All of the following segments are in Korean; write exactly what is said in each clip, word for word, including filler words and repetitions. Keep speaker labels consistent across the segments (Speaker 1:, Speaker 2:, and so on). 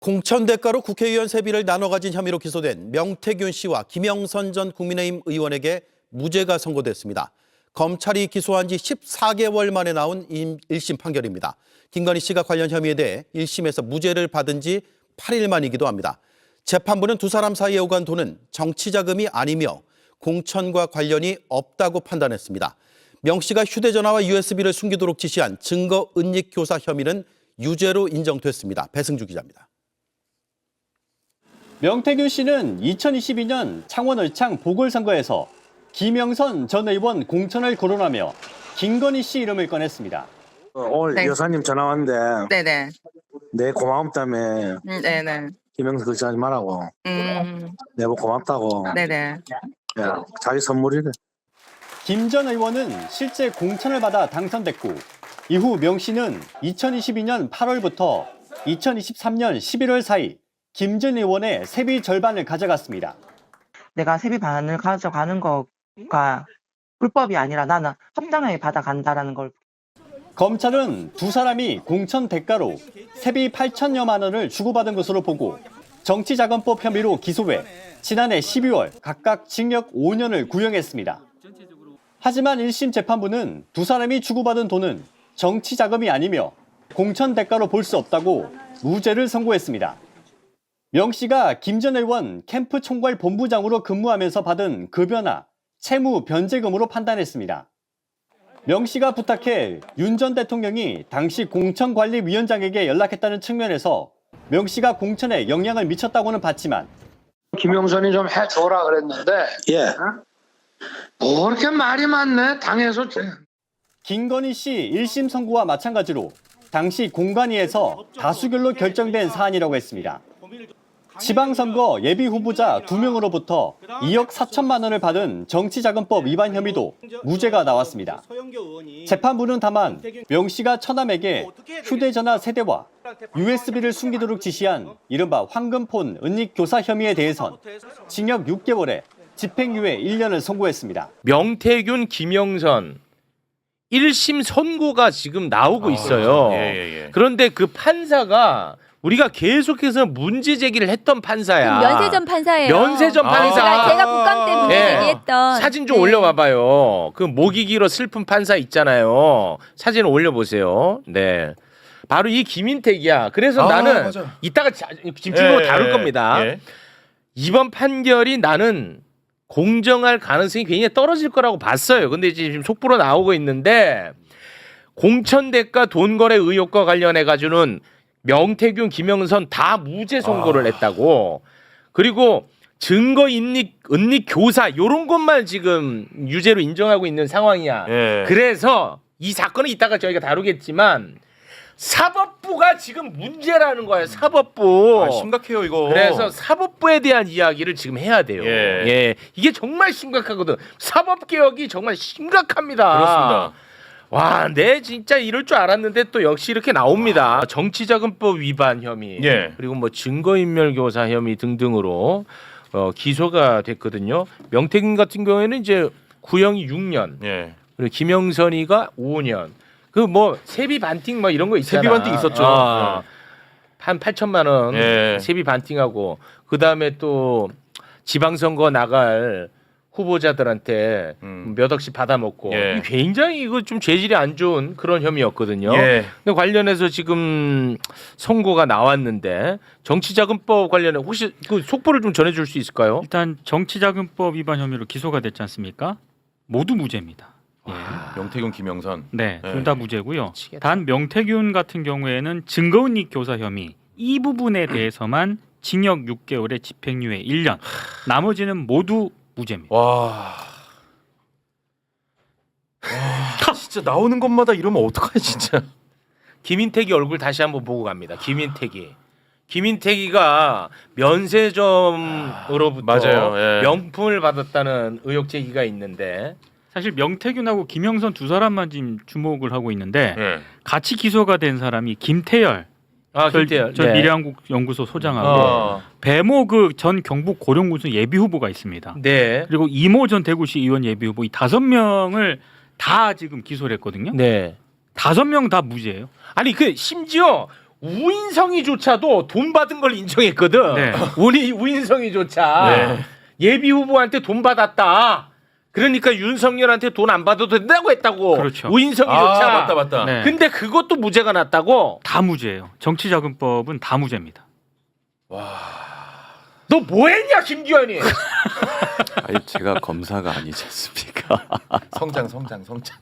Speaker 1: 공천 대가로 국회의원 세비를 나눠 가진 혐의로 기소된 명태균 씨와 김영선 전 국민의힘 의원에게 무죄가 선고됐습니다. 검찰이 기소한 지 십사 개월 만에 나온 일 심 판결입니다. 김건희 씨가 관련 혐의에 대해 일 심에서 무죄를 받은 지 팔 일 만이기도 합니다. 재판부는 두 사람 사이에 오간 돈은 정치 자금이 아니며 공천과 관련이 없다고 판단했습니다. 명 씨가 휴대전화와 유에스비를 숨기도록 지시한 증거 은닉 교사 혐의는 유죄로 인정됐습니다. 배승주 기자입니다.
Speaker 2: 명태균 씨는 이천이십이 년 창원 을창 보궐선거에서 김영선 전 의원 공천을 거론하며 김건희 씨 이름을 꺼냈습니다.
Speaker 3: 오늘
Speaker 4: 네.
Speaker 3: 여사님 전화 왔는데
Speaker 4: 네네.
Speaker 3: 내 고마움다며
Speaker 4: 음, 네네.
Speaker 3: 김영수 그렇게 하지 말라고
Speaker 4: 음,
Speaker 3: 내가 고맙다고
Speaker 4: 네네.
Speaker 3: 야, 자기 선물이래.
Speaker 2: 김 전 의원은 실제 공천을 받아 당선됐고 이후 명 씨는 이천이십이 년 팔월부터 이천이십삼 년 십일월 사이 김 전 의원의 세비 절반을 가져갔습니다.
Speaker 4: 내가 세비 반을 가져가는 거가 불법이 아니라 나는 합당하게 받아간다라는 걸.
Speaker 2: 검찰은 두 사람이 공천 대가로 세비 팔천여만 원을 주고받은 것으로 보고 정치자금법 혐의로 기소해 지난해 십이월 각각 징역 오 년을 구형했습니다. 하지만 일 심 재판부는 두 사람이 주고받은 돈은 정치자금이 아니며 공천 대가로 볼 수 없다고 무죄를 선고했습니다. 명 씨가 김 전 의원 캠프 총괄 본부장으로 근무하면서 받은 급여나 채무 변제금으로 판단했습니다. 명 씨가 부탁해 윤 전 대통령이 당시 공천관리위원장에게 연락했다는 측면에서 명 씨가 공천에 영향을 미쳤다고는 봤지만
Speaker 5: 김영선이 좀 해줘라 그랬는데
Speaker 3: 예.
Speaker 5: 뭐 그렇게 말이 많네 당에서.
Speaker 2: 김건희 씨 일 심 선고와 마찬가지로 당시 공관위에서 다수결로 결정된 사안이라고 했습니다. 지방선거 예비후보자 두 명으로부터 이억 사천만 원을 받은 정치자금법 위반 혐의도 무죄가 나왔습니다. 재판부는 다만 명 씨가 처남에게 휴대전화 세대와 유에스비를 숨기도록 지시한 이른바 황금폰 은닉 교사 혐의에 대해선 징역 육 개월에 집행유예 일 년을 선고했습니다.
Speaker 6: 명태균, 김영선 일 심 선고가 지금 나오고 있어요.
Speaker 7: 예, 예, 예.
Speaker 6: 그런데 그 판사가 우리가 계속해서 문제 제기를 했던 판사야.
Speaker 8: 면세점 판사예요.
Speaker 6: 면세점
Speaker 7: 아.
Speaker 6: 판사.
Speaker 8: 제가, 제가 국감 때 문제
Speaker 6: 예.
Speaker 8: 제기했던
Speaker 6: 사진 좀
Speaker 8: 네.
Speaker 6: 올려봐봐요. 그 목이 길어 슬픈 판사 있잖아요. 사진 올려보세요. 네. 바로 이 김인택이야. 그래서
Speaker 7: 아,
Speaker 6: 나는
Speaker 7: 맞아.
Speaker 6: 이따가 자- 집중적으로
Speaker 7: 예,
Speaker 6: 다룰
Speaker 7: 예,
Speaker 6: 겁니다.
Speaker 7: 예.
Speaker 6: 이번 판결이 나는 공정할 가능성이 굉장히 떨어질 거라고 봤어요. 근데 지금 속보로 나오고 있는데 공천 대가 돈 거래 의혹과 관련해 가지고는 명태균, 김영선 다 무죄 선고를
Speaker 7: 아.
Speaker 6: 했다고. 그리고 증거 인닉, 은닉 교사 이런 것만 지금 유죄로 인정하고 있는 상황이야.
Speaker 7: 예.
Speaker 6: 그래서 이 사건은 이따가 저희가 다루겠지만 사법부가 지금 문제라는 거예요. 사법부.
Speaker 7: 아, 심각해요 이거.
Speaker 6: 그래서 사법부에 대한 이야기를 지금 해야 돼요.
Speaker 7: 예.
Speaker 6: 예. 이게 정말 심각하거든. 사법 개혁이 정말 심각합니다.
Speaker 7: 그렇습니다.
Speaker 6: 와, 내 진짜 이럴 줄 알았는데 또 역시 이렇게 나옵니다. 정치자금법 위반 혐의,
Speaker 7: 예.
Speaker 6: 그리고 뭐 증거인멸교사 혐의 등등으로 어, 기소가 됐거든요. 명태균 같은 경우에는 이제 구형이 육 년,
Speaker 7: 예.
Speaker 6: 그리고 김영선이가 오 년. 그 뭐 세비 반띵 뭐 이런 거 있잖아.
Speaker 7: 세비 반띵 있었죠.
Speaker 6: 아, 한 팔천만 원
Speaker 7: 예.
Speaker 6: 세비 반띵하고 그 다음에 또 지방선거 나갈 후보자들한테
Speaker 7: 음.
Speaker 6: 몇 억씩 받아먹고
Speaker 7: 예.
Speaker 6: 굉장히 이거 좀 죄질이 안 좋은 그런 혐의였거든요.
Speaker 7: 예.
Speaker 6: 근데 관련해서 지금 선고가 나왔는데 정치자금법 관련해 혹시 그 속보를 좀 전해줄 수 있을까요?
Speaker 9: 일단 정치자금법 위반 혐의로 기소가 됐지 않습니까? 모두 무죄입니다. 예.
Speaker 7: 명태균, 김영선.
Speaker 9: 네,
Speaker 7: 네.
Speaker 9: 둘 다 무죄고요.
Speaker 6: 미치겠다.
Speaker 9: 단 명태균 같은 경우에는 증거은닉 교사 혐의 이 부분에 대해서만 징역 육 개월에 집행유예 일 년. 나머지는 모두 무죄입니다.
Speaker 7: 와. 와. 진짜 나오는 것마다 이러면 어떡하냐 진짜.
Speaker 6: 김인택이 얼굴 다시 한번 보고 갑니다. 김인택이. 김인택이가 면세점으로부터
Speaker 7: 맞아요. 예.
Speaker 6: 명품을 받았다는 의혹 제기가 있는데
Speaker 9: 사실 명태균하고 김영선 두 사람만 지금 주목을 하고 있는데
Speaker 7: 예.
Speaker 9: 같이 기소가 된 사람이 김태열
Speaker 6: 아,
Speaker 9: 전,
Speaker 6: 김태열.
Speaker 9: 전
Speaker 6: 네.
Speaker 9: 미래한국 연구소 소장하고
Speaker 7: 어.
Speaker 9: 배모 그 전 경북 고령군수 예비 후보가 있습니다.
Speaker 6: 네.
Speaker 9: 그리고 이모 전 대구시 의원 예비 후보 이 다섯 명을 다 지금 기소를 했거든요.
Speaker 6: 네.
Speaker 9: 다섯 명 다 무죄예요.
Speaker 6: 아니 그 심지어 우인성이조차도 돈 받은 걸 인정했거든.
Speaker 9: 네.
Speaker 6: 우리 우인성이조차
Speaker 7: 네.
Speaker 6: 예비 후보한테 돈 받았다. 그러니까 윤석열한테 돈 안 받아도 된다고 했다고.
Speaker 9: 그렇죠.
Speaker 6: 우인성이조차.
Speaker 7: 아 맞다 맞다.
Speaker 9: 네.
Speaker 6: 근데 그것도 무죄가 났다고.
Speaker 9: 다 무죄예요. 정치자금법은 다 무죄입니다.
Speaker 6: 너 뭐했냐 김기현이?
Speaker 10: 아니 제가 검사가 아니지 않습니까?
Speaker 7: 성장 성장 성장.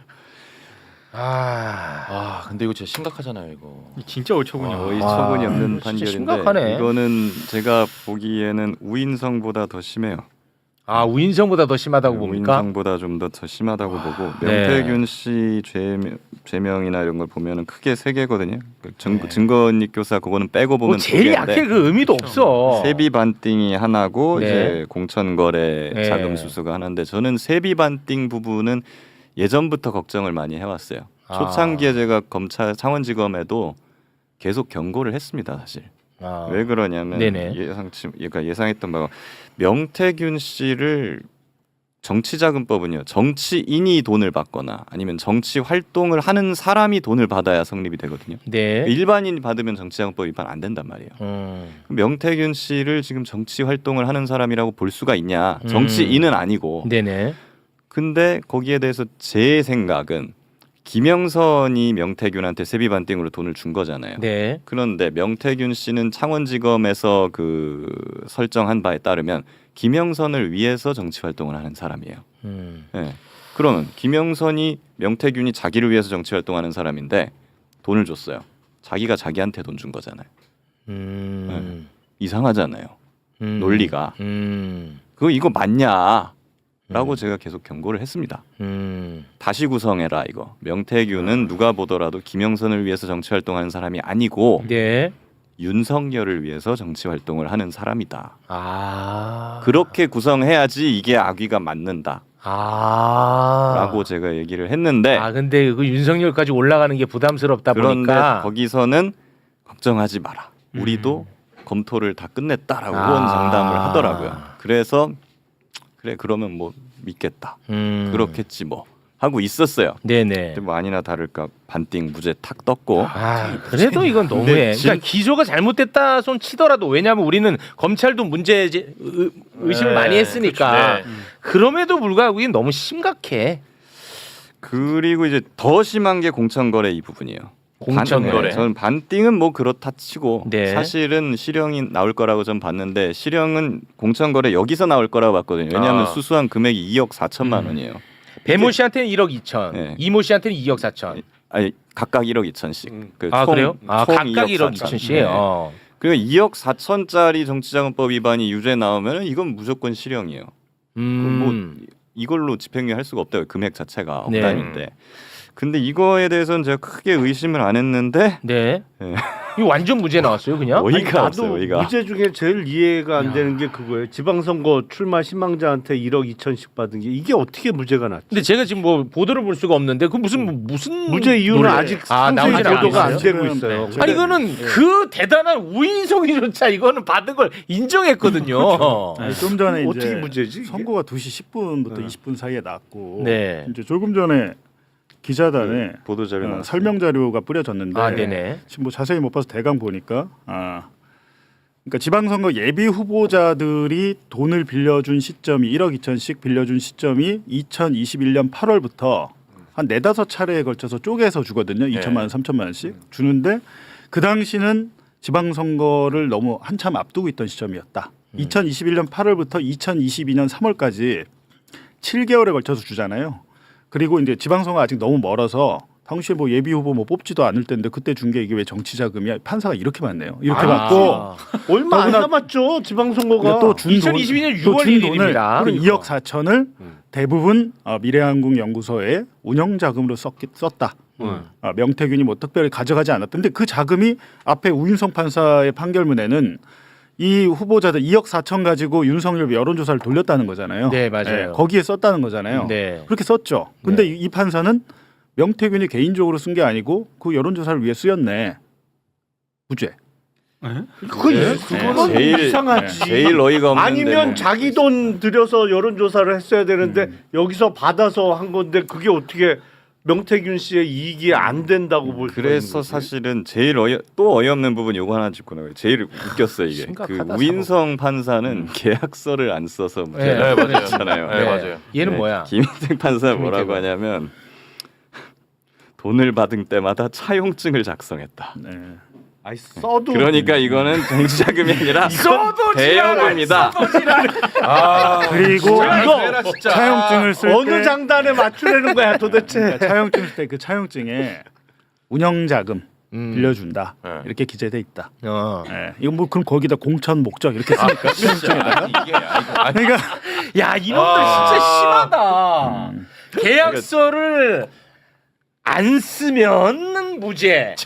Speaker 6: 아,
Speaker 7: 아 근데 이거 진짜 심각하잖아요 이거.
Speaker 9: 진짜 어처구니
Speaker 10: 거의
Speaker 9: 없어.
Speaker 10: 처분이 없는
Speaker 6: 진짜
Speaker 10: 판결인데
Speaker 6: 심각하네.
Speaker 10: 이거는 제가 보기에는 우인성보다 더 심해요.
Speaker 6: 아 우인성보다 더 심하다고 봅니까?
Speaker 10: 우인성보다 좀 더 더 심하다고 보고
Speaker 6: 네.
Speaker 10: 명태균 씨 죄명, 죄명이나 이런 걸 보면은 크게 세 개거든요. 그 증,
Speaker 6: 네.
Speaker 10: 증거인멸 교사 그거는 빼고 보면
Speaker 6: 뭐 제일
Speaker 10: 두 개인데
Speaker 6: 약해 그 의미도 없어.
Speaker 10: 세비 반띵이 하나고
Speaker 6: 네.
Speaker 10: 이제 공천거래
Speaker 6: 네.
Speaker 10: 자금 수수가 하나인데 저는 세비 반띵 부분은 예전부터 걱정을 많이 해왔어요.
Speaker 6: 아.
Speaker 10: 초창기에 제가 검찰 창원지검에도 계속 경고를 했습니다, 사실.
Speaker 6: 아.
Speaker 10: 왜 그러냐면
Speaker 6: 네네.
Speaker 10: 예상치, 그러니까 예상했던 바가 명태균 씨를 정치자금법은요 정치인이 돈을 받거나 아니면 정치 활동을 하는 사람이 돈을 받아야 성립이 되거든요.
Speaker 6: 네.
Speaker 10: 일반인이 받으면 정치자금법 위반 안 된단 말이에요.
Speaker 6: 음.
Speaker 10: 명태균 씨를 지금 정치 활동을 하는 사람이라고 볼 수가 있냐? 정치인은 아니고.
Speaker 6: 네네.
Speaker 10: 근데 거기에 대해서 제 생각은 김영선이 명태균한테 세비 반띵으로 돈을 준 거잖아요.
Speaker 6: 네.
Speaker 10: 그런데 명태균 씨는 창원지검에서 그 설정한 바에 따르면 김영선을 위해서 정치 활동을 하는 사람이에요.
Speaker 6: 음.
Speaker 10: 네. 그러면 김영선이 명태균이 자기를 위해서 정치 활동하는 사람인데 돈을 줬어요. 자기가 자기한테 돈 준 거잖아요.
Speaker 6: 음.
Speaker 10: 이상하잖아요.
Speaker 6: 음.
Speaker 10: 논리가.
Speaker 6: 음.
Speaker 10: 그거 이거 맞냐? 라고
Speaker 6: 음.
Speaker 10: 제가 계속 경고를 했습니다.
Speaker 6: 음.
Speaker 10: 다시 구성해라 이거. 명태균은 누가 보더라도 김영선을 위해서 정치 활동하는 사람이 아니고
Speaker 6: 네.
Speaker 10: 윤석열을 위해서 정치 활동을 하는 사람이다.
Speaker 6: 아.
Speaker 10: 그렇게 구성해야지 이게 악의가 맞는다.
Speaker 6: 아.
Speaker 10: 라고 제가 얘기를 했는데
Speaker 6: 아 근데 그 윤석열까지 올라가는 게 부담스럽다
Speaker 10: 그런데
Speaker 6: 보니까
Speaker 10: 거기서는 걱정하지 마라. 우리도 검토를 다 끝냈다라고 후원 장담을 하더라고요. 그래서 그래 그러면 뭐 믿겠다.
Speaker 6: 음.
Speaker 10: 그렇겠지 뭐 하고 있었어요.
Speaker 6: 네네.
Speaker 10: 근데 뭐 아니나 다를까 반띵 무죄 탁 떴고
Speaker 6: 아 그래도 이건 너무해.
Speaker 10: 근데 진-
Speaker 6: 그러니까 기소가 잘못됐다 손 치더라도 왜냐하면 우리는 검찰도 문제 제- 의- 의심을
Speaker 7: 네,
Speaker 6: 많이 했으니까
Speaker 7: 그렇죠. 네.
Speaker 6: 그럼에도 불구하고 이게 너무 심각해.
Speaker 10: 그리고 이제 더 심한 게 공천거래 이 부분이에요.
Speaker 6: 공천거래.
Speaker 10: 반- 저는 반띵은 뭐 그렇다 치고
Speaker 6: 네.
Speaker 10: 사실은 실형이 나올 거라고 전 봤는데 실형은 공천거래 여기서 나올 거라고 봤거든요. 왜냐하면
Speaker 7: 아.
Speaker 10: 수수한 금액이 이억 사천만
Speaker 6: 음.
Speaker 10: 원이에요.
Speaker 6: 배모 씨한테는 일억 이천,
Speaker 10: 네.
Speaker 6: 이모 씨한테는 이억 사천.
Speaker 10: 아니 각각 일억 이천씩. 그
Speaker 6: 아
Speaker 10: 총-
Speaker 6: 그래요? 아
Speaker 10: 총
Speaker 6: 각각 일억
Speaker 10: 사천.
Speaker 6: 이천씩.
Speaker 10: 네.
Speaker 6: 어.
Speaker 10: 그리고 이억 사천짜리 정치자금법 위반이 유죄 나오면 이건 무조건 실형이에요.
Speaker 6: 음.
Speaker 10: 뭐 이걸로 집행유예 할 수가 없다고 금액 자체가
Speaker 6: 네.
Speaker 10: 억단인데. 근데 이거에 대해서는 제가 크게 의심을 안 했는데
Speaker 6: 네.
Speaker 10: 네.
Speaker 6: 이거 완전 무죄 나왔어요, 그냥?
Speaker 10: 어이가 없어요. 어이가.
Speaker 11: 무죄 중에 제일 이해가 안
Speaker 6: 야.
Speaker 11: 되는 게 그거예요. 지방선거 출마 희망자한테 일억 이천씩 받은 게 이게 어떻게 무죄가 났지?
Speaker 6: 근데 제가 지금 뭐 보도를 볼 수가 없는데 그 무슨 뭐 무슨
Speaker 11: 무죄 이유는
Speaker 6: 논리-
Speaker 11: 아직
Speaker 6: 아,
Speaker 11: 상세히
Speaker 6: 나오진
Speaker 11: 보도가 안
Speaker 6: 않았어요?
Speaker 11: 되고 있어요.
Speaker 6: 아니 이거는 그 대단한 우인성이조차 이거는 받은 걸 인정했거든요.
Speaker 12: 아니, 좀 전에 이제
Speaker 11: 어떻게 무죄지? 이게?
Speaker 12: 선거가 두 시 십 분부터
Speaker 11: 네.
Speaker 12: 이십 분 사이에 났고
Speaker 6: 네.
Speaker 12: 이제 조금 전에 기자단에
Speaker 10: 보도자료
Speaker 12: 어,
Speaker 10: 나왔어요.
Speaker 12: 설명 자료가 뿌려졌는데
Speaker 6: 아, 네네.
Speaker 12: 지금 뭐 자세히 못 봐서 대강 보니까 아 그러니까 지방선거 예비 후보자들이 돈을 빌려준 시점이 일억 이천씩 빌려준 시점이 이천이십일 년 팔월부터 한 네다섯 차례에 걸쳐서 쪼개서 주거든요. 이천만 원, 삼천만 원씩 주는데 그 당시는 지방선거를 너무 한참 앞두고 있던 시점이었다. 이천이십일 년 팔월부터 이천이십이 년 삼월까지 칠 개월에 걸쳐서 주잖아요. 그리고 이제 지방선거 아직 너무 멀어서 당시에 뭐 예비 후보 뭐 뽑지도 않을 때인데 그때 준 게 이게 왜 정치 자금이야? 판사가 이렇게 많네요. 이렇게
Speaker 6: 아.
Speaker 12: 받고
Speaker 11: 얼마 안
Speaker 12: 더구나-
Speaker 11: 남았죠 지방선거가.
Speaker 12: 또준
Speaker 6: 이천이십이 년 유월 일일입니다.
Speaker 12: 그러니까. 이억 사천을 대부분 어, 미래한국 연구소에 운영 자금으로 썼기, 썼다.
Speaker 6: 음.
Speaker 12: 어, 명태균이 뭐 특별히 가져가지 않았던데 그 자금이 앞에 우인성 판사의 판결문에는 이 후보자들 이억 사천 가지고 윤석열 여론조사를 돌렸다는 거잖아요.
Speaker 6: 네, 맞아요.
Speaker 12: 거기에 썼다는 거잖아요.
Speaker 6: 네.
Speaker 12: 그렇게 썼죠. 근데
Speaker 6: 네.
Speaker 12: 이, 이 판사는 명태균이 개인적으로 쓴 게 아니고 그 여론조사를 위해 쓰였네. 무죄.
Speaker 11: 그거
Speaker 12: 네.
Speaker 11: 그거는
Speaker 10: 제일-
Speaker 11: 이상하지.
Speaker 10: 제일 어이가 없는데
Speaker 11: 아니면
Speaker 10: 뭐.
Speaker 11: 자기 돈 들여서 여론조사를 했어야 되는데
Speaker 12: 음.
Speaker 11: 여기서 받아서 한 건데 그게 어떻게 명태균 씨의 이익이 안 된다고 볼 수 있는
Speaker 10: 그래서
Speaker 11: 거지.
Speaker 10: 사실은 제일 어이 또 어이없는 부분 요거 하나 짚고 나가요. 제일 웃겼어요 이게. 그
Speaker 6: 심각하다,
Speaker 10: 우인성 판사는 계약서를 안 써서
Speaker 6: 네,
Speaker 10: 무죄를
Speaker 6: 맞아요.
Speaker 10: 받았잖아요.
Speaker 7: 네, 맞아요.
Speaker 6: 얘는
Speaker 10: 네,
Speaker 6: 뭐야?
Speaker 10: 김인택 판사 뭐라고
Speaker 6: 김인택은.
Speaker 10: 하냐면 돈을 받은 때마다 차용증을 작성했다.
Speaker 12: 네.
Speaker 11: 아니 써도
Speaker 10: 그러니까 이거는 정치자금이 아니라
Speaker 6: 써도
Speaker 10: 대여금이다.
Speaker 7: 아
Speaker 12: 그리고
Speaker 7: 이거 진짜
Speaker 12: 차용증을 쓸
Speaker 11: 어느
Speaker 12: 때
Speaker 11: 장단에 맞추려는 거야 도대체.
Speaker 12: 그러니까 차용증 쓸 때 그 차용증에 운영자금
Speaker 6: 음.
Speaker 12: 빌려준다
Speaker 7: 네.
Speaker 12: 이렇게 기재돼 있다.
Speaker 6: 어.
Speaker 12: 예. 이건 뭐 그럼 거기다 공천 목적 이렇게 쓰니까 차용증에다가
Speaker 7: 이게 아니,
Speaker 12: 그러니까
Speaker 6: 야 이놈들
Speaker 7: 아.
Speaker 6: 진짜 심하다.
Speaker 12: 음.
Speaker 6: 계약서를 안 쓰면 무죄,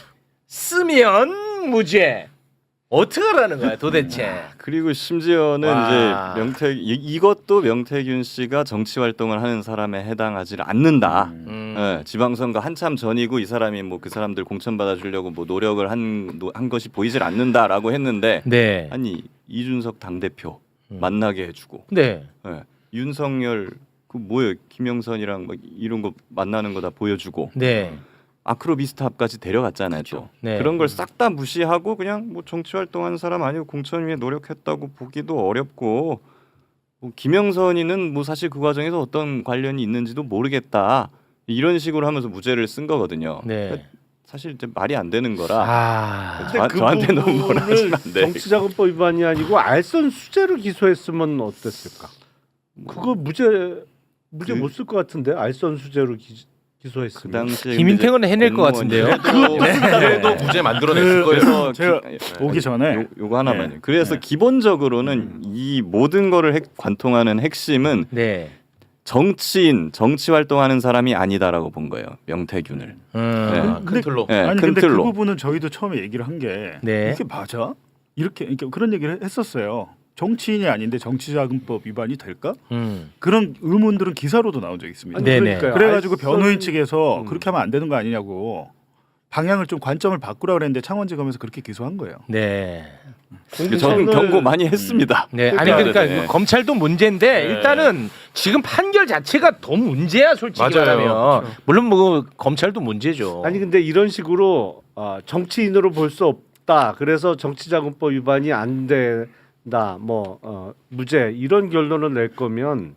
Speaker 6: 쓰면 무죄. 어떻게 하라는 거야 도대체?
Speaker 10: 그리고 심지어는
Speaker 6: 와.
Speaker 10: 이제 명태 이, 이것도 명태균 씨가 정치 활동을 하는 사람에 해당하지 않는다.
Speaker 6: 음.
Speaker 10: 예, 지방선거 한참 전이고 이 사람이 뭐 그 사람들 공천 받아주려고 뭐 노력을 한, 노- 한 것이 보이질 않는다라고 했는데
Speaker 6: 네.
Speaker 10: 아니 이준석 당 대표
Speaker 6: 음.
Speaker 10: 만나게 해주고
Speaker 6: 네.
Speaker 10: 예, 윤석열 그 뭐예요 김영선이랑 막 이런 거 만나는 거 다 보여주고
Speaker 6: 네.
Speaker 10: 아크로비스타까지 데려갔잖아요. 또
Speaker 6: 네.
Speaker 10: 그런 걸 싹 다 무시하고 그냥 뭐 정치 활동한 사람 아니고 공천 위에 노력했다고 보기도 어렵고 뭐 김영선이는 뭐 사실 그 과정에서 어떤 관련이 있는지도 모르겠다 이런 식으로 하면서 무죄를 쓴 거거든요.
Speaker 6: 네.
Speaker 10: 그러니까 사실 이제 말이 안 되는 거라
Speaker 6: 아.
Speaker 10: 저, 저한테 너무 뭐라 하시면 안 돼.
Speaker 11: 정치자금법 위반이 아니고 알선수재를 기소했으면 어땠을까? 그거 무죄 무죄
Speaker 10: 그-
Speaker 11: 못 쓸 것 같은데 알선수재로 기, 기소했으면.
Speaker 10: 그 당시에
Speaker 6: 김인택은 해낼 것 같은데요.
Speaker 7: 그래도 무죄 만들어냈을
Speaker 12: 그-
Speaker 7: 거예요.
Speaker 10: 그래서
Speaker 12: 제가
Speaker 10: 기-
Speaker 12: 오기 전에
Speaker 10: 요, 요거 하나만요.
Speaker 12: 네.
Speaker 10: 그래서
Speaker 12: 네.
Speaker 10: 기본적으로는 이 모든 거를 핵, 관통하는 핵심은
Speaker 6: 네.
Speaker 10: 정치인, 정치 활동하는 사람이 아니다라고 본 거예요. 명태균을.
Speaker 6: 음.
Speaker 10: 네.
Speaker 7: 큰
Speaker 12: 근데-
Speaker 7: 틀로.
Speaker 10: 네,
Speaker 12: 아니
Speaker 10: 큰
Speaker 12: 근데 그
Speaker 10: 틀로.
Speaker 12: 부분은 저희도 처음에 얘기를 한 게
Speaker 6: 네.
Speaker 12: 이게 맞아? 이렇게 그러니까 그런 얘기를 했었어요. 정치인이 아닌데 정치자금법 위반이 될까?
Speaker 6: 음.
Speaker 12: 그런 의문들은 기사로도 나온 적이 있습니다.
Speaker 11: 아니,
Speaker 6: 네네.
Speaker 11: 그러니까요.
Speaker 12: 그래가지고
Speaker 11: 알선-
Speaker 12: 변호인 측에서
Speaker 11: 음.
Speaker 12: 그렇게 하면 안 되는 거 아니냐고 방향을 좀 관점을 바꾸라 그랬는데 창원지검에서 그렇게 기소한 거예요.
Speaker 6: 네.
Speaker 10: 저는 경고 많이 했습니다.
Speaker 6: 네. 아니 그러니까
Speaker 10: 네.
Speaker 6: 검찰도 문제인데
Speaker 7: 네.
Speaker 6: 일단은 지금 판결 자체가 더 문제야 솔직히
Speaker 7: 맞아요.
Speaker 6: 말하면.
Speaker 7: 그렇죠.
Speaker 6: 물론 뭐 검찰도 문제죠.
Speaker 11: 아니 근데 이런 식으로 어, 정치인으로 볼 수 없다. 그래서 정치자금법 위반이 안 된다. 뭐 어, 무죄 이런 결론을 낼 거면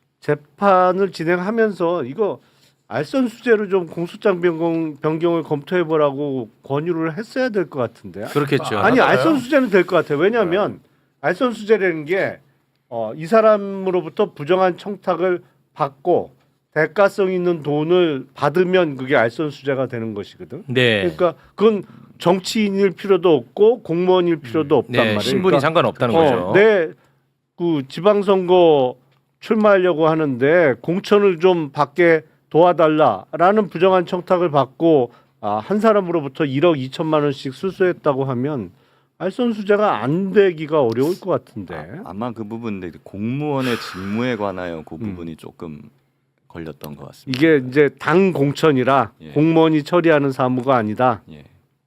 Speaker 11: 재판을 진행하면서 이거 알선수재로 좀 공소장 변경, 변경을 검토해 보라고 권유를 했어야 될 것 같은데.
Speaker 6: 그렇겠죠.
Speaker 11: 아니
Speaker 7: 맞아요.
Speaker 11: 알선수재는 될 것 같아요. 왜냐하면 알선수재라는 게 어, 이 사람으로부터 부정한 청탁을 받고 대가성 있는 돈을 받으면 그게 알선수재가 되는 것이거든.
Speaker 6: 네.
Speaker 11: 그러니까 그건 정치인일 필요도 없고 공무원일 필요도 없단
Speaker 6: 네.
Speaker 11: 말이에요.
Speaker 6: 신분이
Speaker 11: 그러니까
Speaker 6: 상관없다는
Speaker 11: 어,
Speaker 6: 거죠.
Speaker 11: 내 그 지방선거 출마하려고 하는데 공천을 좀 받게 도와달라라는 부정한 청탁을 받고 아, 한 사람으로부터 일억 이천만 원씩 수수했다고 하면 알선수재가 안 되기가 어려울 것 같은데.
Speaker 10: 아, 아마 그 부분인데 공무원의 직무에 관하여 그
Speaker 11: 음.
Speaker 10: 부분이 조금 걸렸던 것 같습니다.
Speaker 11: 이게 이제 당 공천이라
Speaker 10: 예.
Speaker 11: 공무원이 처리하는 사무가 아니다.
Speaker 10: 예.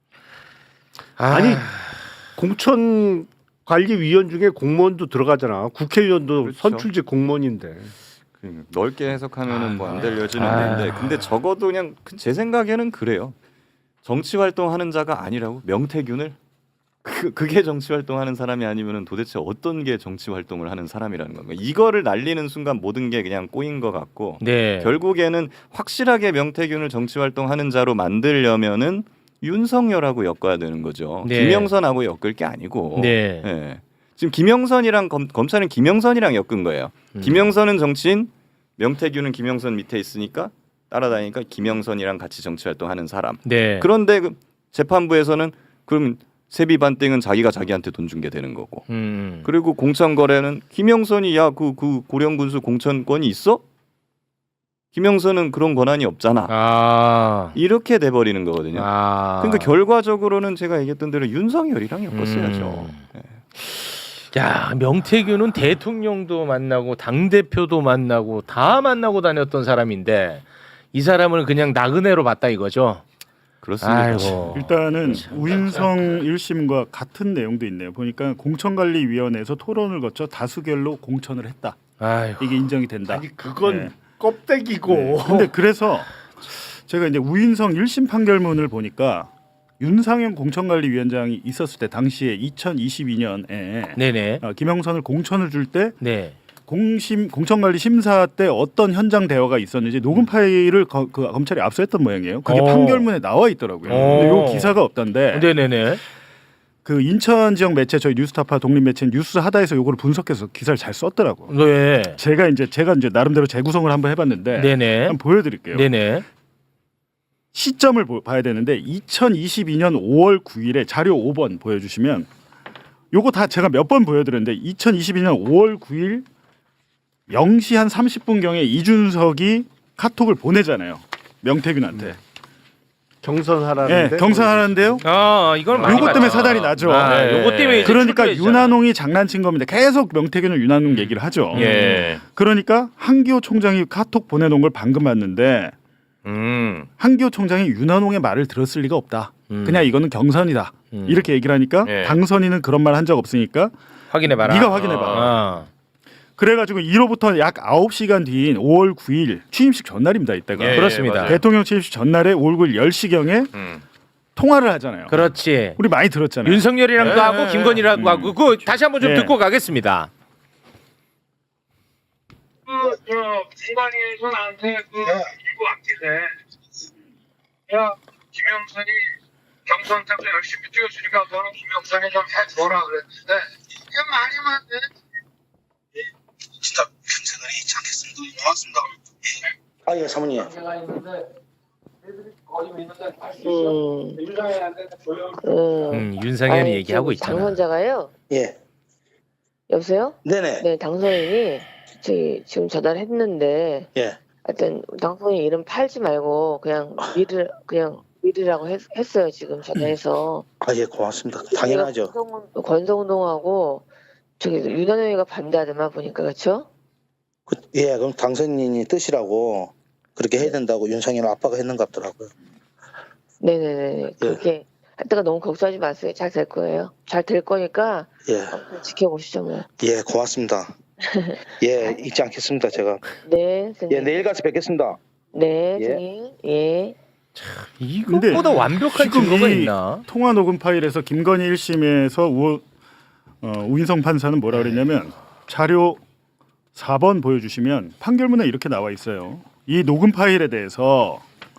Speaker 11: 아니 공천 관리위원 중에 공무원도 들어가잖아. 국회의원도
Speaker 10: 그렇죠.
Speaker 11: 선출직 공무원인데.
Speaker 10: 그 넓게 해석하면은 뭐 안 될 여지는
Speaker 6: 아.
Speaker 10: 있는데 근데 적어도 그냥 그 제 생각에는 그래요. 정치 활동하는 자가 아니라고 명태균을 그 그게 정치 활동하는 사람이 아니면은 도대체 어떤 게 정치 활동을 하는 사람이라는 건가? 이거를 날리는 순간 모든 게 그냥 꼬인 것 같고
Speaker 6: 네.
Speaker 10: 결국에는 확실하게 명태균을 정치 활동하는 자로 만들려면은 윤석열하고 엮어야 되는 거죠.
Speaker 6: 네.
Speaker 10: 김영선하고 엮을 게 아니고.
Speaker 6: 네.
Speaker 10: 예. 지금 김영선이랑 검, 검찰은 김영선이랑 엮은 거예요.
Speaker 6: 음.
Speaker 10: 김영선은 정치인, 명태균은 김영선 밑에 있으니까 따라다니니까 김영선이랑 같이 정치 활동하는 사람.
Speaker 6: 네.
Speaker 10: 그런데 그 재판부에서는 그럼 세비 반띵은 자기가 자기한테 돈 준 게 되는 거고.
Speaker 6: 음.
Speaker 10: 그리고 공천 거래는 김영선이 야 그 그 고령군수 공천권이 있어? 김영선은 그런 권한이 없잖아.
Speaker 6: 아.
Speaker 10: 이렇게 돼 버리는 거거든요.
Speaker 6: 아.
Speaker 10: 그러니까 결과적으로는 제가 얘기했던 대로 윤석열이랑 엮었어야죠.
Speaker 6: 음.
Speaker 10: 예.
Speaker 6: 야, 명태균은 대통령도 만나고 당 대표도 만나고 다 만나고 다녔던 사람인데 이 사람을 그냥 나그네로 봤다 이거죠.
Speaker 10: 그렇습니다.
Speaker 6: 아이고.
Speaker 12: 일단은 우인성 일 심과 같은 내용도 있네요. 보니까 공천관리위원회에서 토론을 거쳐 다수결로 공천을 했다.
Speaker 6: 아이고.
Speaker 12: 이게 인정이 된다.
Speaker 11: 아니 그건
Speaker 12: 네.
Speaker 11: 껍데기고.
Speaker 12: 네. 근데 그래서 제가 이제 우인성 일 심 판결문을 보니까 윤상현 공천관리위원장이 있었을 때 당시에 이천이십이 년에
Speaker 6: 네네.
Speaker 12: 어, 김영선을 공천을 줄 때
Speaker 6: 네.
Speaker 12: 공심 공천관리 심사 때 어떤 현장 대화가 있었는지 녹음 파일을 거, 그 검찰이 압수했던 모양이에요. 그게
Speaker 6: 오.
Speaker 12: 판결문에 나와 있더라고요. 근데 요 기사가 없던데.
Speaker 6: 네네네.
Speaker 12: 그 인천 지역 매체 저희 뉴스타파 독립 매체 뉴스하다에서 요거를 분석해서 기사를 잘 썼더라고.
Speaker 6: 네.
Speaker 12: 제가 이제 제가 이제 나름대로 재구성을 한번 해봤는데
Speaker 6: 네네.
Speaker 12: 한번 보여드릴게요.
Speaker 6: 네네.
Speaker 12: 시점을 보, 봐야 되는데 이천이십이 년 오월 구일에 자료 오 번 보여주시면 요거 다 제가 몇 번 보여드렸는데 이천이십이 년 오월 구일 영 시 한 삼십 분경에 이준석이 카톡을 보내잖아요. 명태균한테.
Speaker 11: 경선하라는데.
Speaker 12: 네, 경선하라는데요.
Speaker 6: 아, 이건 많이
Speaker 12: 요거 때문에
Speaker 6: 봤죠.
Speaker 12: 사달이 나죠.
Speaker 6: 아,
Speaker 12: 네.
Speaker 6: 요거 때문에 이제
Speaker 12: 그러니까
Speaker 6: 출두했잖아.
Speaker 12: 윤한홍이 장난친 겁니다. 계속 명태균은 윤한홍 얘기를 하죠.
Speaker 6: 예.
Speaker 12: 그러니까 한기호 총장이 카톡 보내놓은 걸 방금 봤는데
Speaker 6: 음.
Speaker 12: 한기호 총장이 윤한홍의 말을 들었을 리가 없다.
Speaker 6: 음.
Speaker 12: 그냥 이거는 경선이다.
Speaker 6: 음.
Speaker 12: 이렇게 얘기를 하니까
Speaker 6: 예.
Speaker 12: 당선인은 그런 말 한 적 없으니까
Speaker 6: 확인해 봐라.
Speaker 12: 네가 확인해 봐.
Speaker 6: 아.
Speaker 12: 그래가지고 이로부터 약 아홉 시간 뒤인 오월 구일 취임식 전날입니다. 이때가
Speaker 6: 예, 그렇습니다.
Speaker 12: 대통령 취임식 전날에 오월 구일 열 시경에
Speaker 6: 음.
Speaker 12: 통화를 하잖아요.
Speaker 6: 그렇지.
Speaker 12: 우리 많이 들었잖아요.
Speaker 6: 윤석열이랑도
Speaker 12: 예,
Speaker 6: 하고
Speaker 12: 예,
Speaker 6: 김건희랑도
Speaker 12: 음.
Speaker 6: 하고 그 다시 한번 좀
Speaker 12: 예.
Speaker 6: 듣고 가겠습니다.
Speaker 5: 그, 저, 중간에서 나한테 그, 이거 왔길래, 야, 김영선이 경선 때도 열심히 뛰어주니까 너는 김영선이 좀 해줘라 그랬는데, 이게 말이 맞네. 진짜 평생을 잊지 않겠습니다. 고맙습니다.
Speaker 3: 아, 예, 사모님.
Speaker 13: 음,
Speaker 6: 음, 윤상현이
Speaker 13: 아니,
Speaker 6: 얘기하고
Speaker 13: 지금
Speaker 6: 있잖아.
Speaker 13: 당선자가요.
Speaker 3: 예.
Speaker 13: 여보세요?
Speaker 3: 네네.
Speaker 13: 네, 당선인이 저기 지금 전화했는데
Speaker 3: 예.
Speaker 13: 하여튼 당선인 이름 팔지 말고 그냥 미르 그냥 미르라고 했, 했어요 지금 전화해서.
Speaker 3: 아, 예, 고맙습니다. 당연하죠.
Speaker 13: 권성운- 권성동하고 저기 윤한영이가 반대하더만 보니까 그렇죠?
Speaker 3: 그, 예, 그럼 당선인이 뜻이라고 그렇게 해야 된다고 윤상현 아빠가 했는 것 같더라고요.
Speaker 13: 네네네. 그렇게 할 때가 너무 걱정하지 마세요. 잘 될 거예요. 잘 될 거니까
Speaker 3: 예,
Speaker 13: 지켜보시죠 뭐.
Speaker 3: 예, 고맙습니다. 예, 잊지 않겠습니다, 제가.
Speaker 13: 네, 선생님.
Speaker 3: 예, 내일 가서 뵙겠습니다.
Speaker 13: 네,
Speaker 3: 예.
Speaker 13: 선생님. 예.
Speaker 6: 이것보다 완벽한
Speaker 12: 지금
Speaker 6: 증거가
Speaker 12: 이
Speaker 6: 있나?
Speaker 12: 통화 녹음 파일에서 김건희 일 심에서 우, 어, 우인성 판사는 뭐라 그랬냐면 자료 사 번 보여주시면 판결문에 이렇게 나와 있어요. 이 녹음 파일에 대해서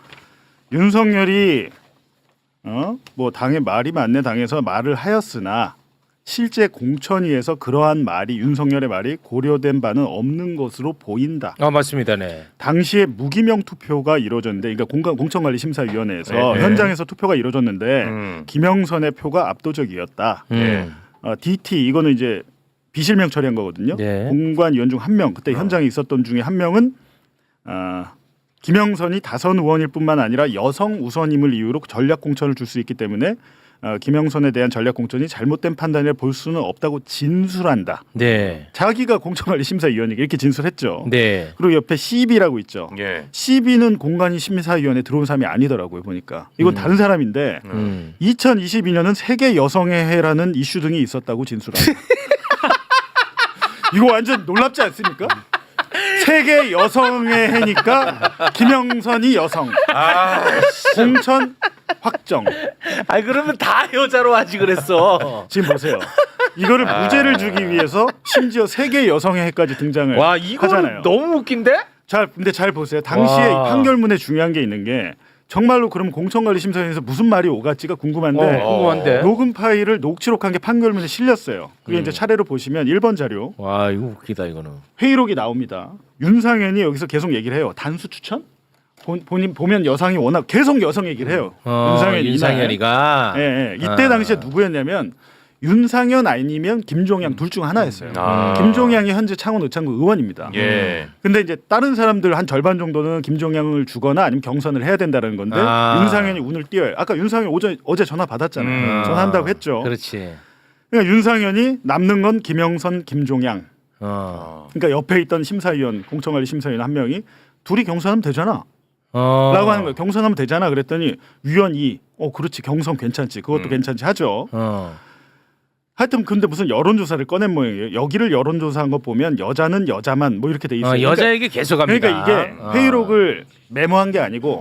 Speaker 12: 윤석열이 어? 뭐 당의 말이 맞네 당에서 말을 하였으나 실제 공천위에서 그러한 말이 윤석열의 말이 고려된 바는 없는 것으로 보인다.
Speaker 6: 아 맞습니다, 네.
Speaker 12: 당시에 무기명 투표가 이루어졌는데, 그러니까 공간 공천관리심사위원회에서
Speaker 6: 네, 네.
Speaker 12: 현장에서 투표가 이루어졌는데
Speaker 6: 음.
Speaker 12: 김영선의 표가 압도적이었다.
Speaker 6: 음.
Speaker 12: 어, 디티 이거는 이제 비실명 처리한 거거든요.
Speaker 6: 네.
Speaker 12: 공관위원 중 한 명, 그때
Speaker 6: 어.
Speaker 12: 현장에 있었던 중에 한 명은 어, 김영선이 다선 의원일 뿐만 아니라 여성 우선임을 이유로 전략 공천을 줄 수 있기 때문에 어, 김영선에 대한 전략 공천이 잘못된 판단이라 볼 수는 없다고 진술한다.
Speaker 6: 네.
Speaker 12: 자기가 공천관리심사위원이게 이렇게 진술했죠.
Speaker 6: 네.
Speaker 12: 그리고 옆에 씨비라고 있죠.
Speaker 6: 예.
Speaker 12: 씨비는 공관위 심사위원회 들어온 사람이 아니더라고요. 보니까 이건
Speaker 6: 음.
Speaker 12: 다른 사람인데
Speaker 6: 음.
Speaker 12: 이천이십이 년은 세계 여성의 해라는 이슈 등이 있었다고 진술합니다. 이거 완전 놀랍지 않습니까? 세계 여성의 해니까 김영선이 여성.
Speaker 6: 아,
Speaker 12: 공천 확정.
Speaker 6: 아 그러면 다 여자로 하지 그랬어.
Speaker 12: 지금 보세요. 이거를
Speaker 6: 아.
Speaker 12: 무죄를 주기 위해서 심지어 세계 여성의 해까지 등장을
Speaker 6: 와 이거는
Speaker 12: 하잖아요.
Speaker 6: 너무 웃긴데?
Speaker 12: 잘 근데 잘 보세요. 당시에
Speaker 6: 와.
Speaker 12: 이 판결문에 중요한 게 있는 게 정말로 그럼 공천관리심사위원회에서 무슨 말이 오갔지가 궁금한데
Speaker 6: 어, 궁금한데.
Speaker 12: 녹음 파일을 녹취록한 게 판결문에 실렸어요. 그게
Speaker 6: 음.
Speaker 12: 이제 차례로 보시면 일 번 자료
Speaker 6: 와 이거 웃기다 이거는.
Speaker 12: 회의록이 나옵니다. 윤상현이 여기서 계속 얘기를 해요. 단수 추천? 본, 본인 보면 여성이 워낙 계속 여성 얘기를 해요.
Speaker 6: 어,
Speaker 12: 윤상현이
Speaker 6: 윤상현이가.
Speaker 12: 예, 예. 이때
Speaker 6: 아.
Speaker 12: 당시에 누구였냐면 윤상현 아니면 김종양 둘 중 하나였어요.
Speaker 6: 아.
Speaker 12: 김종양이 현재 창원 의창구 의원입니다.
Speaker 6: 예.
Speaker 12: 근데 이제 다른 사람들 한 절반 정도는 김종양을 주거나 아니면 경선을 해야 된다는 건데
Speaker 6: 아.
Speaker 12: 윤상현이 운을 띄어요. 아까 윤상현 어제 어제 전화 받았잖아요.
Speaker 6: 음.
Speaker 12: 전화한다고 했죠.
Speaker 6: 그렇지.
Speaker 12: 그러니까 윤상현이 남는 건 김영선, 김종양.
Speaker 6: 어.
Speaker 12: 그러니까 옆에 있던 심사위원, 공천관리 심사위원 한 명이 둘이 경선하면 되잖아.
Speaker 6: 어.
Speaker 12: 라고 하는 거예요. 경선하면 되잖아. 그랬더니 위원 이, 어 그렇지 경선 괜찮지. 그것도
Speaker 6: 음.
Speaker 12: 괜찮지 하죠.
Speaker 6: 어.
Speaker 12: 하여튼 근데 무슨 여론조사를 꺼낸 모양이에요. 여기를 여론조사한 거 보면 여자는 여자만 뭐 이렇게 돼 있어요.
Speaker 6: 어, 여자에게 계속 합니다.
Speaker 12: 그러니까 이게
Speaker 6: 어.
Speaker 12: 회의록을 메모한 게 아니고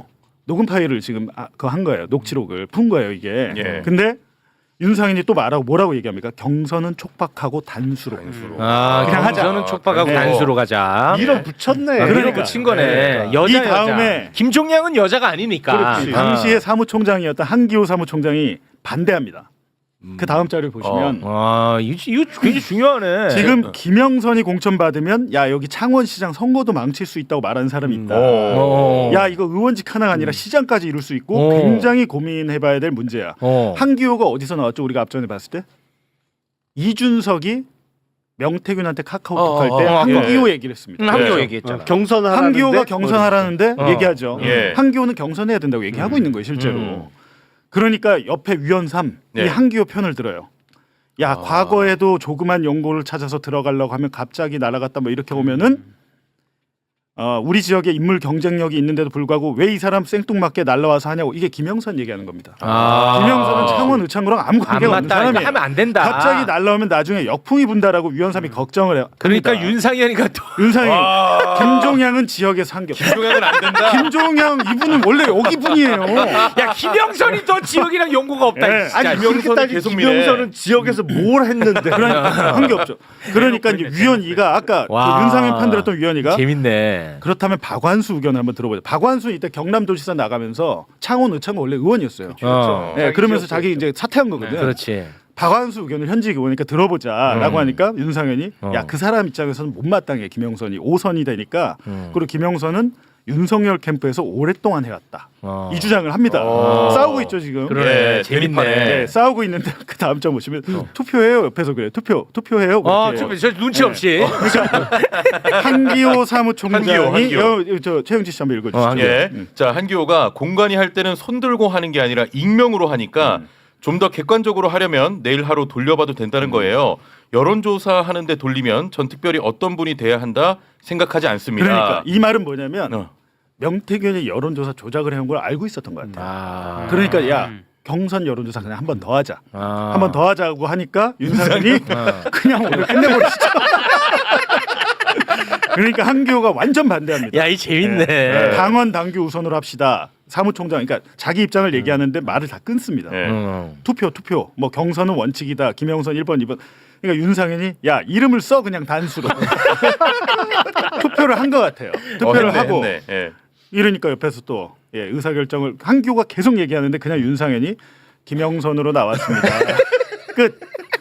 Speaker 12: 녹음 파일을 지금 아, 그거 한 거예요. 녹취록을 푼 거예요 이게.
Speaker 7: 예.
Speaker 12: 근데 윤상현이 또 말하고 뭐라고 얘기합니까? 경선은 촉박하고 단수로.
Speaker 6: 아,
Speaker 12: 그냥 하자.
Speaker 6: 저는 촉박하고
Speaker 12: 네.
Speaker 6: 단수로 가자.
Speaker 11: 밀어붙였네.
Speaker 6: 아,
Speaker 12: 그러니까.
Speaker 6: 밀어붙인 거네.
Speaker 12: 네.
Speaker 6: 여자
Speaker 12: 이 다음에
Speaker 6: 여자. 김종량은 여자가 아니니까.
Speaker 12: 그렇지. 당시에 사무총장이었던 한기호 사무총장이 반대합니다. 그 다음 자료를 보시면
Speaker 6: 아, 이거, 이거 굉장히 중요하네.
Speaker 12: 지금 김영선이 공천 받으면 야 여기 창원시장 선거도 망칠 수 있다고 말하는 사람이 있다.
Speaker 6: 어.
Speaker 12: 야 이거 의원직 하나가 아니라 시장까지 이룰 수 있고
Speaker 6: 어.
Speaker 12: 굉장히 고민해봐야 될 문제야.
Speaker 6: 어.
Speaker 12: 한기호가 어디서 나왔죠? 우리가 앞전에 봤을 때 이준석이 명태균한테 카카오톡
Speaker 6: 어,
Speaker 12: 할 때
Speaker 6: 어, 어,
Speaker 12: 한기호
Speaker 6: 예.
Speaker 12: 얘기를 했습니다.
Speaker 6: 음, 한기호
Speaker 12: 네.
Speaker 6: 얘기했잖아.
Speaker 11: 경선하라는데
Speaker 12: 한기호가 경선하라는데
Speaker 6: 어.
Speaker 12: 얘기하죠.
Speaker 7: 예.
Speaker 12: 한기호는 경선해야 된다고 얘기하고 있는 거예요 실제로.
Speaker 6: 음.
Speaker 12: 그러니까 옆에 위원 삼
Speaker 7: 네.
Speaker 12: 이 한기호 편을 들어요. 야
Speaker 6: 아.
Speaker 12: 과거에도 조그만 연고를 찾아서 들어가려고 하면 갑자기 날아갔다 뭐 이렇게 오면은 어, 우리 지역에 인물 경쟁력이 있는데도 불구하고 왜 이 사람 생뚱맞게 날라와서 하냐고 이게 김영선 얘기하는 겁니다.
Speaker 6: 아.
Speaker 12: 김영선은 창원 의창구랑 아무
Speaker 6: 안
Speaker 12: 관계가 없는
Speaker 6: 맞다. 그러니까
Speaker 12: 사람이에요.
Speaker 6: 하면 안 된다.
Speaker 12: 갑자기 날라오면 나중에 역풍이 분다라고 위원삼이 걱정을 해요.
Speaker 6: 그러니까
Speaker 12: 합니다.
Speaker 6: 윤상현이가 또
Speaker 12: 윤상이
Speaker 7: 와.
Speaker 12: 김종양은 지역에서 한 겹.
Speaker 7: 김종양은 안 된다.
Speaker 12: 김종양 이분은 원래 여기 분이에요.
Speaker 6: 야, 김영선이 또 지역이랑 연고가 없다.
Speaker 12: 네.
Speaker 6: 진짜.
Speaker 11: 아니 그렇게
Speaker 7: 김영선은
Speaker 11: 따지
Speaker 7: 계속 미네.
Speaker 11: 김영선은 지역에서 뭘 했는데
Speaker 12: 그러니까 한 게 없죠. 그러니까 이제 위원 이가 아까 그
Speaker 6: 와.
Speaker 12: 윤상현 편들었던 위원이가
Speaker 6: 재밌네.
Speaker 12: 그렇다면 박완수 의견을 한번 들어보죠. 박완수 이때 경남도지사 나가면서 창원 의창구 원래 의원이었어요.
Speaker 6: 어.
Speaker 12: 네, 그러면서 자기 이제 사퇴한 거거든요.
Speaker 6: 그렇지.
Speaker 12: 박완수 의견을 현직 의원이니까 들어보자라고
Speaker 6: 음.
Speaker 12: 하니까 윤상현이
Speaker 6: 어.
Speaker 12: 야 그 사람 입장에서는 못마땅해 김영선이 오 선이 되니까
Speaker 6: 음.
Speaker 12: 그리고 김영선은 윤석열 캠프에서 오랫동안 해왔다.
Speaker 6: 어.
Speaker 12: 이 주장을 합니다.
Speaker 6: 어.
Speaker 12: 싸우고 있죠 지금.
Speaker 6: 그러네.
Speaker 7: 예,
Speaker 6: 재밌네.
Speaker 7: 대립하네.
Speaker 12: 네, 싸우고 있는데 그 다음 장 보시면 투표해요 옆에서 그래 투표 투표해요.
Speaker 6: 어,
Speaker 12: 그렇게.
Speaker 6: 저, 저 눈치 없이.
Speaker 12: 한기호 사무총장이
Speaker 7: 한기호, 한기호.
Speaker 12: 여, 저 최영지 씨 한번 읽어주시죠.
Speaker 6: 어, 한기호.
Speaker 7: 예.
Speaker 12: 음.
Speaker 7: 자, 한기호가 공관위 할 때는 손 들고 하는 게 아니라 익명으로 하니까
Speaker 12: 음.
Speaker 7: 좀 더 객관적으로 하려면 내일 하루 돌려봐도 된다는 거예요. 여론조사 하는데 돌리면 전 특별히 어떤 분이 돼야 한다 생각하지 않습니다.
Speaker 12: 그러니까 이 말은 뭐냐면
Speaker 7: 어.
Speaker 12: 명태균이 여론조사 조작을 해온 걸 알고 있었던 것 같아요.
Speaker 6: 아.
Speaker 12: 그러니까 야 경선 여론조사 그냥 한 번 더 하자.
Speaker 6: 아.
Speaker 12: 한 번 더 하자고 하니까 윤상현이
Speaker 6: 어.
Speaker 12: 그냥 오늘 끝내버리시죠. 그러니까 한기호가 완전 반대합니다.
Speaker 6: 야, 이 재밌네.
Speaker 12: 네. 당원 당규 우선으로 합시다. 사무총장 그러니까 자기 입장을 얘기하는데 말을 다 끊습니다.
Speaker 7: 네.
Speaker 6: 음.
Speaker 12: 투표 투표 뭐 경선은 원칙이다. 김영선 일 번 이 번 그러니까 윤상현이 야 이름을 써 그냥 단수로 투표를 한 것 같아요. 투표를
Speaker 7: 어, 했네,
Speaker 12: 하고
Speaker 7: 했네. 예.
Speaker 12: 이러니까 옆에서 또 예, 의사결정을 한기호가 계속 얘기하는데 그냥 윤상현이 김영선으로 나왔습니다. 끝.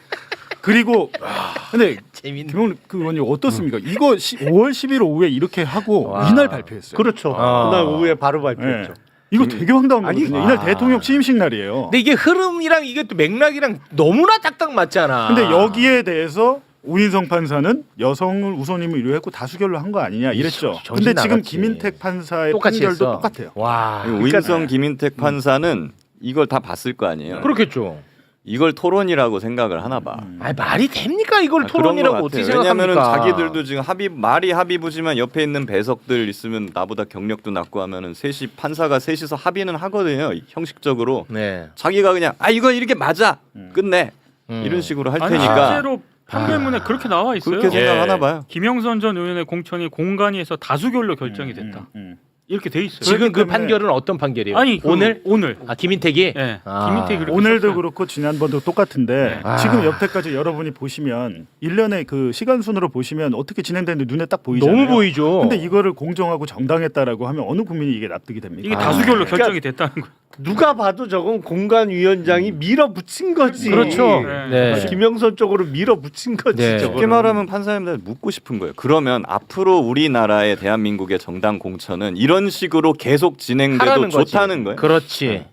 Speaker 12: 그리고 근데
Speaker 6: 재밌네.
Speaker 12: 김영 그 의원님 어떻습니까? 이거 시, 오월 십일 오후에 이렇게 하고
Speaker 6: 와.
Speaker 12: 이날 발표했어요.
Speaker 11: 그렇죠.
Speaker 6: 아.
Speaker 11: 그날 오후에 바로 발표했죠.
Speaker 12: 예. 이거 되게 황당한
Speaker 11: 아니,
Speaker 12: 거거든요.
Speaker 6: 와.
Speaker 12: 이날 대통령 취임식 날이에요.
Speaker 6: 근데 이게 흐름이랑 이게 또 맥락이랑 너무나 딱딱 맞잖아.
Speaker 12: 근데 여기에 대해서 우인성 판사는 여성을 우선임을 의뢰했고 다수결로 한 거 아니냐 이랬죠.
Speaker 6: 정신
Speaker 12: 근데 지금
Speaker 6: 나갔지.
Speaker 12: 김인택 판사의
Speaker 6: 똑같이
Speaker 12: 판결도
Speaker 6: 했어.
Speaker 12: 똑같아요.
Speaker 6: 와.
Speaker 10: 그리고 우인성 김인택 판사는 이걸 다 봤을 거 아니에요.
Speaker 6: 그렇겠죠.
Speaker 10: 이걸 토론이라고 생각을 하나 봐.
Speaker 6: 아니, 말이 됩니까? 이걸
Speaker 10: 아, 그런
Speaker 6: 토론이라고
Speaker 10: 것
Speaker 6: 어떻게
Speaker 10: 같아요. 왜냐면은
Speaker 6: 생각합니까?
Speaker 10: 자기들도 지금 합의 말이 합의부지만 옆에 있는 배석들 있으면 나보다 경력도 낮고 하면은 셋이 판사가 셋이서 합의는 하거든요. 형식적으로
Speaker 6: 네.
Speaker 10: 자기가 그냥 아 이거 이렇게 맞아 끝내
Speaker 6: 음.
Speaker 10: 이런 식으로 할
Speaker 9: 아니
Speaker 10: 테니까
Speaker 9: 실제로 판결문에
Speaker 6: 아.
Speaker 9: 그렇게 나와 있어요.
Speaker 10: 그렇게
Speaker 7: 예.
Speaker 10: 생각하나 봐요.
Speaker 9: 김영선 전 의원의 공천이 공간위에서 다수결로 결정이 됐다.
Speaker 12: 음, 음.
Speaker 9: 이렇게 돼 있어요.
Speaker 6: 지금 그
Speaker 12: 그렇기 때문에-
Speaker 6: 판결은 어떤 판결이에요?
Speaker 9: 아니 그
Speaker 6: 오늘
Speaker 9: 오늘
Speaker 6: 아 김인택이
Speaker 9: 예
Speaker 6: 아.
Speaker 9: 김인택이 그렇게
Speaker 12: 오늘도
Speaker 9: 썼어요.
Speaker 12: 그렇고 지난번도 똑같은데
Speaker 6: 아.
Speaker 12: 지금 여태까지 여러분이 보시면 일련의 그 시간 순으로 보시면 어떻게 진행되는데 눈에 딱 보이잖아요.
Speaker 6: 너무 보이죠.
Speaker 12: 근데 이거를 공정하고 정당했다라고 하면 어느 국민이 이게 납득이 됩니까?
Speaker 9: 이게
Speaker 6: 아.
Speaker 9: 다수결로
Speaker 11: 그러니까
Speaker 9: 결정이 됐다는 거예요.
Speaker 11: 누가 봐도 저건 공관위원장이 밀어붙인 거지.
Speaker 6: 그렇죠.
Speaker 9: 네.
Speaker 6: 네.
Speaker 11: 김영선 쪽으로 밀어붙인 거지.
Speaker 6: 네.
Speaker 11: 저거는.
Speaker 10: 쉽게 말하면 판사님들 묻고 싶은 거예요. 그러면 앞으로 우리나라의 대한민국의 정당 공천은 이런 식으로 계속 진행돼도
Speaker 6: 하라는 거지.
Speaker 10: 좋다는 거예요.
Speaker 6: 그렇지.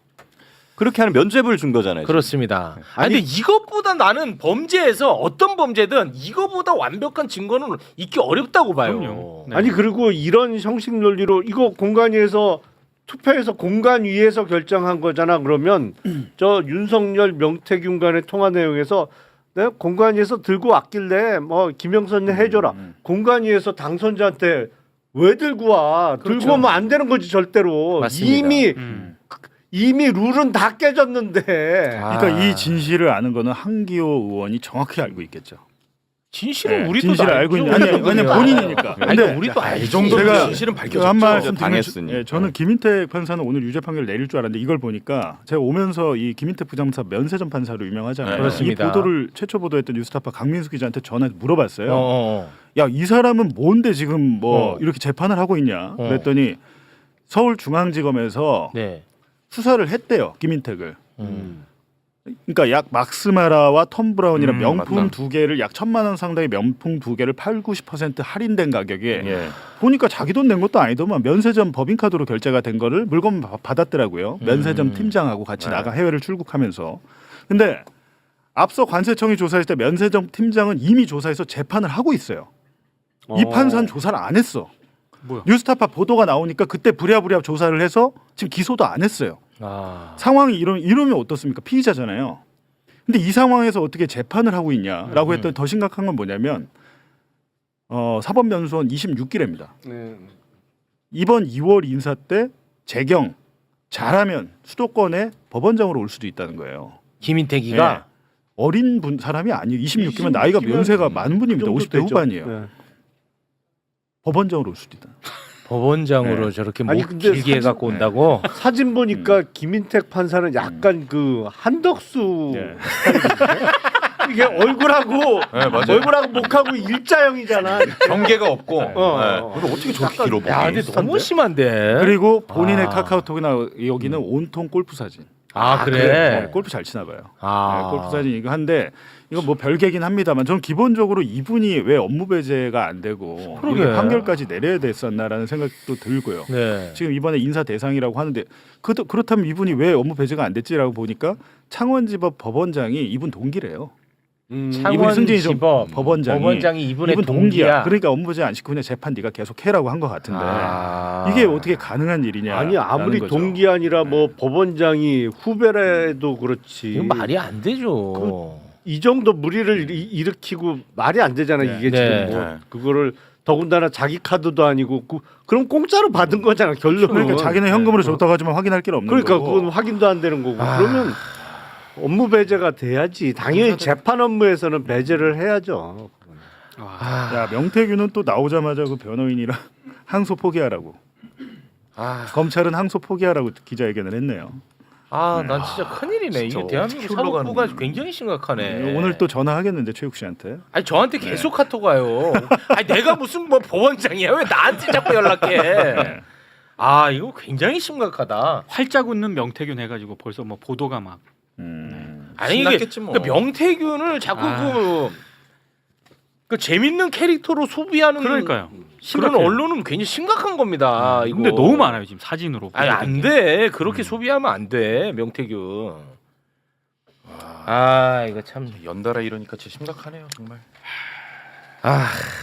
Speaker 10: 그렇게 하는 면죄부를 준 거잖아요. 지금.
Speaker 6: 그렇습니다. 아니, 근데 이것보다 나는 범죄에서 어떤 범죄든 이거보다 완벽한 증거는 있기 어렵다고 봐요.
Speaker 9: 그럼요. 네.
Speaker 11: 아니 그리고 이런 형식 논리로 이거 공관위에서 투표해서 공관위에서 결정한 거잖아. 그러면 저 윤석열 명태균 간의 통화 내용에서 네? 공관위에서 들고 왔길래 뭐 김영선이 해줘라.
Speaker 12: 음.
Speaker 11: 공관위에서 당선자한테 왜 들고 와?
Speaker 6: 그렇죠.
Speaker 11: 들고 오면 안 되는 거지 절대로.
Speaker 6: 맞습니다.
Speaker 11: 이미
Speaker 9: 음.
Speaker 11: 이미 룰은 다 깨졌는데.
Speaker 12: 그러니까 이 진실을 아는 거는 한기호 의원이 정확히 알고 있겠죠.
Speaker 6: 진실은
Speaker 12: 네,
Speaker 6: 우리도
Speaker 12: 진실을 알고 있는 아니 아니 본인이니까.
Speaker 6: 아니
Speaker 12: 근데
Speaker 6: 우리도 알지.
Speaker 7: 이 정도면
Speaker 12: 제가
Speaker 7: 진실은 밝혀졌죠.
Speaker 12: 한 말씀 드리면
Speaker 10: 당했으니.
Speaker 12: 예, 저는 김인택 판사는 오늘 유죄 판결 내릴 줄 알았는데 이걸 보니까 제가 오면서 이 김인택 부장판사 면세점 판사로 유명하잖아요.
Speaker 6: 네, 그렇습니다.
Speaker 12: 이 보도를 최초 보도했던 뉴스타파 강민수 기자한테 전화해서 물어봤어요.
Speaker 6: 어.
Speaker 12: 야, 이 사람은 뭔데 지금 뭐
Speaker 6: 어.
Speaker 12: 이렇게 재판을 하고 있냐?
Speaker 6: 어.
Speaker 12: 그랬더니 서울중앙지검에서
Speaker 6: 네.
Speaker 12: 수사를 했대요, 김인택을.
Speaker 6: 음.
Speaker 12: 그러니까 약 막스마라와 톰 브라운이랑
Speaker 7: 음,
Speaker 12: 명품
Speaker 7: 맞다.
Speaker 12: 두 개를 약 천만 원 상당의 명품 두 개를 팔, 구십 퍼센트 할인된 가격에
Speaker 7: 예.
Speaker 12: 보니까 자기 돈 낸 것도 아니더만 면세점 법인카드로 결제가 된 거를 물건 바- 받았더라고요. 면세점
Speaker 6: 음.
Speaker 12: 팀장하고 같이
Speaker 7: 네.
Speaker 12: 나가 해외를 출국하면서. 근데 앞서 관세청이 조사했을 때 면세점 팀장은 이미 조사해서 재판을 하고 있어요. 이
Speaker 11: 어.
Speaker 12: 판사는 조사를 안 했어.
Speaker 11: 뭐야?
Speaker 12: 뉴스타파 보도가 나오니까 그때 부랴부랴 조사를 해서 지금 기소도 안 했어요.
Speaker 6: 아.
Speaker 12: 상황이 이러, 이러면 어떻습니까? 피의자잖아요. 근데 이 상황에서 어떻게 재판을 하고 있냐라고
Speaker 6: 음.
Speaker 12: 했더니 더 심각한 건 뭐냐면 어, 사법연수원 이십육 기래입니다.
Speaker 11: 네.
Speaker 12: 이번 이월 인사 때 재경 잘하면 수도권에 법원장으로 올 수도 있다는 거예요.
Speaker 6: 김인택이가
Speaker 12: 네. 어린 분 사람이 아니에요. 이십육 기면 나이가 연세가 많은 분입니다. 오십 대 후반이에요.
Speaker 11: 네.
Speaker 12: 법원장으로 올 수도 있다.
Speaker 6: 법원장으로
Speaker 12: 네.
Speaker 6: 저렇게 목
Speaker 11: 아니, 근데
Speaker 6: 길게
Speaker 11: 사진-
Speaker 6: 갖고 온다고?
Speaker 11: 사진 보니까 김인택 판사는 약간 그 한덕수
Speaker 12: 네.
Speaker 11: 이게 얼굴하고
Speaker 7: 네, 맞아요.
Speaker 11: 얼굴하고 목하고 일자형이잖아.
Speaker 7: 경계가 없고.
Speaker 11: 어.
Speaker 7: 네. 근데 어떻게 저렇게 길어 보기?
Speaker 6: 야, 근데 너무 심한데.
Speaker 12: 그리고 본인의
Speaker 6: 아.
Speaker 12: 카카오톡이나 여기는 온통 골프 사진.
Speaker 6: 아, 그래.
Speaker 12: 네, 골프 잘 치나 봐요.
Speaker 6: 아.
Speaker 12: 네, 골프 사진 이거 한데 이거 뭐 별개긴 합니다만 저는 기본적으로 이분이 왜 업무 배제가 안 되고
Speaker 6: 그러게.
Speaker 12: 이렇게 판결까지 내려야 됐었나라는 생각도 들고요.
Speaker 6: 네.
Speaker 12: 지금 이번에 인사 대상이라고 하는데 그, 그렇다면 이분이 왜 업무 배제가 안 됐지라고 보니까 창원지법 법원장이 이분 동기래요.
Speaker 11: 음,
Speaker 12: 이분이 승진이 좀
Speaker 6: 창원지법
Speaker 12: 법원장이,
Speaker 6: 법원장이 이분의
Speaker 12: 이분
Speaker 6: 동기야.
Speaker 12: 그러니까 업무 배제 안 시키고 그냥 재판 네가 계속 해라고 한 것 같은데
Speaker 6: 아.
Speaker 12: 이게 어떻게 가능한 일이냐?
Speaker 11: 아니 아무리 동기 아니라 뭐 법원장이 후배라도 그렇지.
Speaker 6: 이건 말이 안 되죠.
Speaker 11: 이 정도 무리를 이- 일으키고 말이 안 되잖아
Speaker 12: 네.
Speaker 11: 이게
Speaker 6: 네.
Speaker 11: 지금 뭐
Speaker 7: 네.
Speaker 11: 그거를 더군다나 자기 카드도 아니고 그, 그럼 공짜로 받은 거잖아 결론은.
Speaker 12: 그러니까 자기는 현금으로 줬다고 하지만 확인할 길 없는
Speaker 11: 그러니까
Speaker 12: 거고.
Speaker 11: 그건 확인도 안 되는 거고.
Speaker 6: 아.
Speaker 11: 그러면 업무 배제가 돼야지. 당연히 재판 업무에서는 배제를 해야죠.
Speaker 6: 아.
Speaker 12: 야 명태균은 또 나오자마자 그 변호인이랑 항소 포기하라고.
Speaker 6: 아.
Speaker 12: 검찰은 항소 포기하라고 기자회견을 했네요.
Speaker 6: 아, 난 진짜 큰일이네. 이게
Speaker 7: 진짜
Speaker 6: 대한민국
Speaker 7: 어떻게
Speaker 6: 사법부가
Speaker 7: 흘러가는
Speaker 6: 굉장히 심각하네.
Speaker 12: 오늘 또 전화하겠는데 최욱 씨한테.
Speaker 6: 아니 저한테 계속 카톡 와요. 아니 내가 무슨 뭐 법원장이야? 왜 나한테 자꾸 연락해? 아, 이거 굉장히 심각하다.
Speaker 9: 활짝 웃는 명태균 해가지고 벌써 뭐 보도가 막
Speaker 12: 음.
Speaker 6: 아니 이게
Speaker 7: 신났겠지 뭐.
Speaker 6: 그러니까 명태균을 자꾸
Speaker 9: 아.
Speaker 6: 그, 그 재밌는 캐릭터로 소비하는
Speaker 9: 그러니까요.
Speaker 6: 그런
Speaker 9: 심각해요.
Speaker 6: 언론은 굉장히 심각한 겁니다. 이거.
Speaker 9: 근데 너무 많아요 지금 사진으로.
Speaker 6: 아니 안 돼. 그렇게 소비하면 안 돼. 명태균. 아, 이거 참.
Speaker 7: 연달아 이러니까 진짜 심각하네요 정말.
Speaker 6: 아.